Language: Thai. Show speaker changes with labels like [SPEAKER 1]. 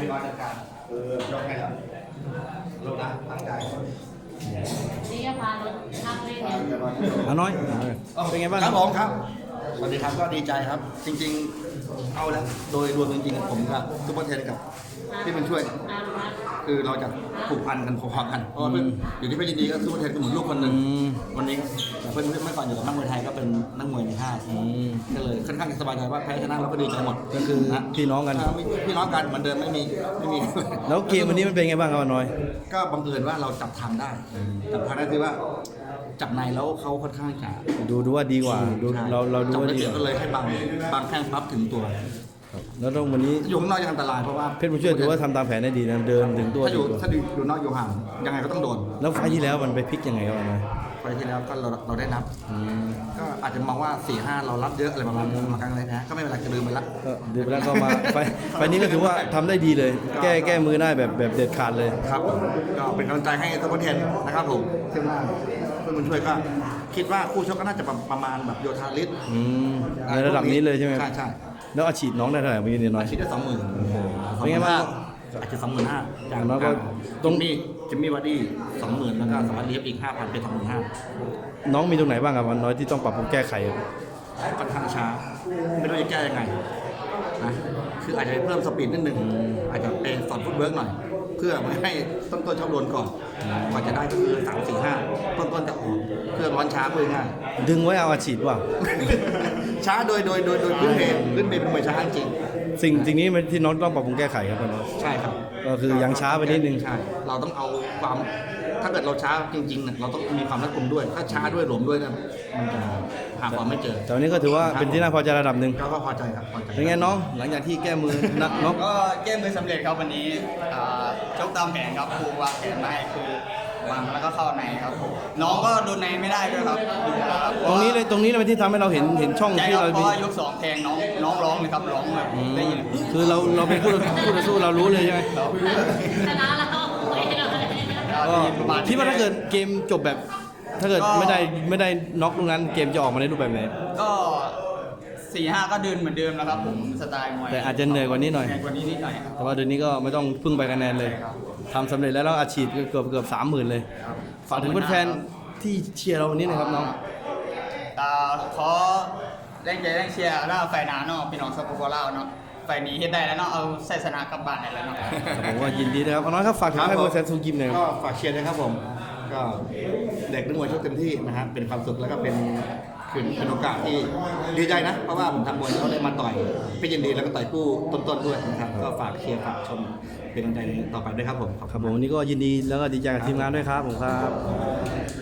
[SPEAKER 1] นอนจัดการยกให้แล้วลงนะตั้งใจ
[SPEAKER 2] นี่ก็พารถนั่งเล่นเนี่ย
[SPEAKER 3] น้อยเป็นไงบ้าง
[SPEAKER 1] ครับผมครับสวัสดีครับก็ดีใจครับ จริงๆเอาแล้วโดยรวมจริงๆผมกับซุปเปอร์เทนกับที่เป็นช่วยคือเราจะผูกพันกันพอๆกันเพราะว่าอยู่ที่เพชรยินดีก็ซุปเปอร์เทนก็เหมือนลูกคนหนึ่งวันนี้เพื่อนเมื่อก่อนอยู่กับนักมวยไทยก็เป็นนักมวยในค่ายก็เลยค่อนข้างสบายใจว่าแพ้ชนะเราก็ดีใจหมด
[SPEAKER 3] ก็คือพี่น้องกัน
[SPEAKER 1] พี่น้องกันเหมือนเดิมไม่มี
[SPEAKER 3] แล้วเกมวันนี้มันเป็นไงบ้างครับน้อย
[SPEAKER 1] ก็บังเอิญว่าเราจับทางได้จับทางได้คือว่าจับในแล้วเขาค่อนข้างจะ
[SPEAKER 3] ดูว่าดีกว่าเราดูว่าดี
[SPEAKER 1] ก็เลยให้บางแข้งปั๊บถึงตัว
[SPEAKER 3] แล้วต้องวันนี้
[SPEAKER 1] อยู่ข้างนอกยังอันตรายเพราะว่า
[SPEAKER 3] เพชรบุญช่วยถือว่าทำตามแผนได้ดีนะเดินถึงตัว
[SPEAKER 1] ถ้าอยู่นอกอยู่ห่างยังไงก็ต้องโดน
[SPEAKER 3] แล้วไฟที่แล้วมันไปพลิกยังไงครับน้อย
[SPEAKER 1] ไฟที่แล้วก็เราได้นับก็อาจจะมองว่า 4-5 เรารับเยอะอะไรประมาณนี้มาครั้งแรกนะก็ไม่เป็นไรจะลืมไปละ
[SPEAKER 3] ลืมไปแล้วก็มาไฟนี้ก็ถือว่าทำได้ดีเลยแก้มือได้แบบเด็ดขาดเลย
[SPEAKER 1] ครับก็เป็นกำลังใจให้ตัวเทนนะครับผมซึ่งว่าเพื่อนบุญช่วยก็คิดว่าคู่ชกก็น่าจะประมาณแบบโยธาลิศ
[SPEAKER 3] ในระดับนี้เลยใช่ไหม
[SPEAKER 1] ใช่
[SPEAKER 3] แล้วอาชีพน้องได้เท่าไหร่เมื่อกี้น้อย
[SPEAKER 1] อาชีพได้ 20,000
[SPEAKER 3] เป็นไงบ้าง
[SPEAKER 1] อาจจะ 25,000จากน้องก็ตรงนี้จิมมี่วัดดี้ 20,000แล้วก็สวัสดีอีก 5,000 เป็น 25,000
[SPEAKER 3] น้องมีตรงไหนบ้างครับน้อยที่ต้องปรับปรุงแก้ไข
[SPEAKER 1] ค่อนข้างช้าไม่รู้จะแก้ยังไงนะคืออาจจะเพิ่มสปีดนิดนึงอาจจะเป็นสอนฟุตเวิร์กหน่อยเพื่อไม่ให้ต้นชอบโดนก่อนกว่าจะได้ก็คือ3-4-5ต้นจะออกเพื่อร้อนช้าเพื่อง่าย
[SPEAKER 3] ดึงไว้เอาอาชีพว่ะ
[SPEAKER 1] ช้าโดยพื้นเพเป็นมวยช้าจริง
[SPEAKER 3] สิ่งนี้ที่น้องต้องปรับปรุงแก้ไขครับน้อง
[SPEAKER 1] ใช่ครับ
[SPEAKER 3] ก็คือยังช้าไปนิดนึง
[SPEAKER 1] ใช่เราต้องเอาความถ้าเกิดเราช้าจริงๆเราต้องมีความรัดกุมด้วยถ้าช้าด้วยหลวมด้วยนะมันจะหาความไม่เจอ
[SPEAKER 3] แต่วันนี้ก็ถือว่าเป็นที่น่าพอใจระดับหนึ่ง
[SPEAKER 1] ก็พอใจครับพอใจ
[SPEAKER 3] เป็นไงน้องหลังจากที่แก้มือน้อง
[SPEAKER 4] ก็แก้มือสำเร็จครับวันนี้ชกตามแผนครับครูวางแผนมาให้คือวางแล้วก็เข้าในครับน้องก็โดนในไม่ได้ด้วยครับ
[SPEAKER 3] ตรงนี้เลยที่ทำให้เราเห็นช่องที่เรา
[SPEAKER 4] เพราะว่ายก2แทงน้องร้องเลยครับร้องแบบได้ยิน
[SPEAKER 3] คือเราเป็นคู่ต่อสู้เรารู้เลยใช่ไหม
[SPEAKER 2] ชนะแล้ว
[SPEAKER 3] คิดว่าถ้าเกิดเกมจบแบบถ้าเกิดไม่ได้น็อกตรงนั้นเกมจะออกมาในรูปแบบไหน
[SPEAKER 4] ก็4-5ก็เดินเหมือนเดิมแล้วครับผมสไตล์มวย
[SPEAKER 3] แต่อาจจะเหนื่อยกว่านี้หน่อยแต่ว่าเดือนนี้ก็ไม่ต้องพึ่งไปคะแนนเลยทำสำเร็จแล้วอาชีพเกือบ 30,000 เลยฝากถึงแฟนที่เชียร์เราวันนี้นะครับน้อง
[SPEAKER 4] ขอแรงใจแรงเชียร์แล้วไฟหนาเนาะพี่น้องสปปลาวเนาะไฟนี้เฮ็ดได้แล้วเนาะเอาใส่ชนะกลับบ้านได้แล้วเนาะ
[SPEAKER 3] ผมว่ายินดีนะครับน้องครับฝากถึงให้โปรเซสซูกิมหน่อย
[SPEAKER 1] ก็ฝากเชียร์นะครับผมก็เด็กนักมวยชกเต็มที่นะครับเป็นความสุขแล้วก็เป็นโอกาสที่ดีใจนะเพราะว่าผมทำมวยเขาได้มาต่อยพี่ยินดีแล้วก็ต่อยคู่ต้นๆด้วยนะครับก็ฝากเชียร์ฝากชมเป็นกำลังใจต่อไปด้วยครับผม
[SPEAKER 3] ครับผมวันนี้ก็ยินดีแล้วก็ดีใจกับทีมงานด้วยครับผมครับ